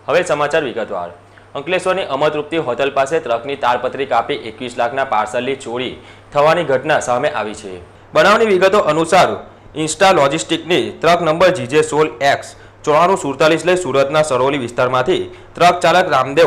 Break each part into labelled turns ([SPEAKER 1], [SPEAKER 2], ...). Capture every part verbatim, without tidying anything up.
[SPEAKER 1] હવે સમાચાર વિગતવાર। અંકલેશ્વરની અમરતૃપ્તિ હોટલ પાસે ટ્રકની તારપત્રી કાપી એકવીસ લાખના પાર્સલની ચોરી થવાની ઘટના સામે આવી છે। બનાવની વિગતો અનુસાર ઇન્સ્ટા લોજિસ્ટિકની ટ્રક નંબર જીજે સોળ એક્સ ચોરાણું સુડતાલીસ લઈ સુરતના સરોલી વિસ્તારમાંથી ટ્રક ચાલક રામદેવ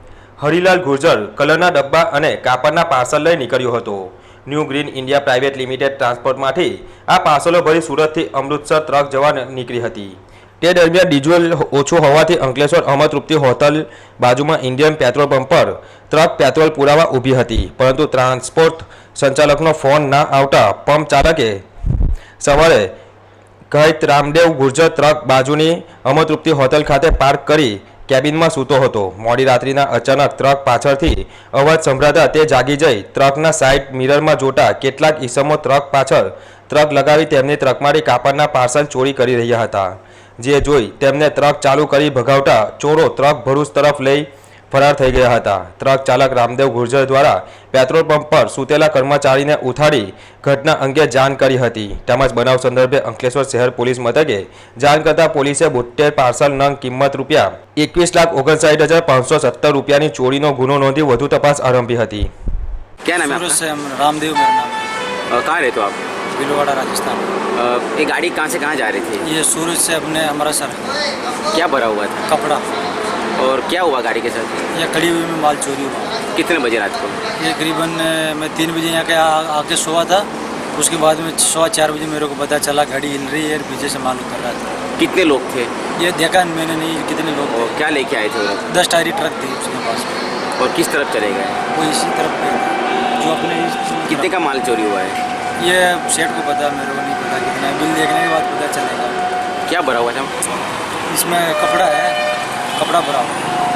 [SPEAKER 1] હરિલાલ ગુર્જર કલરના ડબ્બા અને કાપડના પાર્સલ લઈ નીકળ્યો હતો। New green India private limited ટ્રાન્સપોર્ટમાંથી આ પાર્સલો ભરી સુરતથી અમૃતસર ટ્રક જવા નીકળી હતી। તે દરમિયાન ડીઝલ ઓછું હોવાથી અંકલેશ્વર અમરતૃપ્તિ હોટલ બાજુમાં ઇન્ડિયન પેટ્રોલ પંપ પર ટ્રક પેટ્રોલ પુરાવા ઊભી હતી, પરંતુ ટ્રાન્સપોર્ટ સંચાલકનો ફોન ના આવતા પંપ ચાલકે સવારે કહિત રામદેવ ગુર્જર ટ્રક બાજુની અમરતૃપ્તિ હોટલ ખાતે પાર્ક કરી કેબિનમાં સૂતો હતો। મોડી રાત્રિના અચાનક ટ્રક પાછળથી અવાજ સંભળાતા તે જાગી જઈ ટ્રકના સાઇડ મિરરમાં જોતા કેટલાક ઈસમો ટ્રક પાછળ ટ્રક લગાવી તેમની ટ્રકમાંથી કાપડના પાર્સલ ચોરી કરી રહ્યા હતા, જે જોઈ તેમને ટ્રક ચાલુ કરી ભગાવતા ચોરો ટ્રક ભરૂચ તરફ લઈ ફરાર થઈ ગયા હતા। ટ્રક ચાલક રામદેવ ગુર્જર દ્વારા પેટ્રોલ પંપ પર સૂતેલા કર્મચારીને ઉઠાડી ઘટના અંગે જાણ કરી હતી, તેમજ બનાવ સંદર્ભે અંકલેશ્વર શહેર પોલીસ મથકે જાણ કરતા પોલીસે બોતેર પાર્સલ નંગ કિંમત રૂપિયા એકવીસ લાખ ઓગણસાઠ હજાર પાંચસો સત્તર રૂપિયાની ચોરીનો ગુનો નોંધી વધુ તપાસ આરંભી હતી।
[SPEAKER 2] क्या नाम है
[SPEAKER 3] सूरत
[SPEAKER 2] आपका?
[SPEAKER 3] से हम रामदेव मेरा नाम है।
[SPEAKER 2] अ, कहाँ रहते हो आप?
[SPEAKER 3] भीलवाड़ा राजस्थान।
[SPEAKER 2] अ, ये गाड़ी कहाँ से कहाँ जा रही थी?
[SPEAKER 3] ये सूरत से अपने अमृतसर
[SPEAKER 2] क्या भरा हुआ था
[SPEAKER 3] कपड़ा,
[SPEAKER 2] और क्या हुआ गाड़ी के साथ?
[SPEAKER 3] ये खड़ी हुई में माल चोरी हुआ।
[SPEAKER 2] कितने बजे रात को?
[SPEAKER 3] ये करीबन अ, मैं तीन बजे यहाँ के आ- आके सोया था। उसके बाद में सवा चार बजे मेरे को पता चला गाड़ी हिल रही है, पीछे से माल उतर रहा था।
[SPEAKER 2] कितने लोग थे
[SPEAKER 3] ये देखा मैंने नहीं कितने लोग
[SPEAKER 2] और
[SPEAKER 3] थे।
[SPEAKER 2] क्या लेके आए थे वो लोग?
[SPEAKER 3] दस टायरी ट्रक थी उसके पास में,
[SPEAKER 2] और किस तरफ चले गए?
[SPEAKER 3] वो इसी तरफ गए थे, जो अपने इस-
[SPEAKER 2] कितने का माल चोरी हुआ है?
[SPEAKER 3] ये सेठ को पता, मेरे को नहीं पता कितना है। बिल देखने के बाद पता चलेगा।
[SPEAKER 2] क्या भरा हुआ था?
[SPEAKER 3] इसमें कपड़ा है, कपड़ा भरा हुआ है।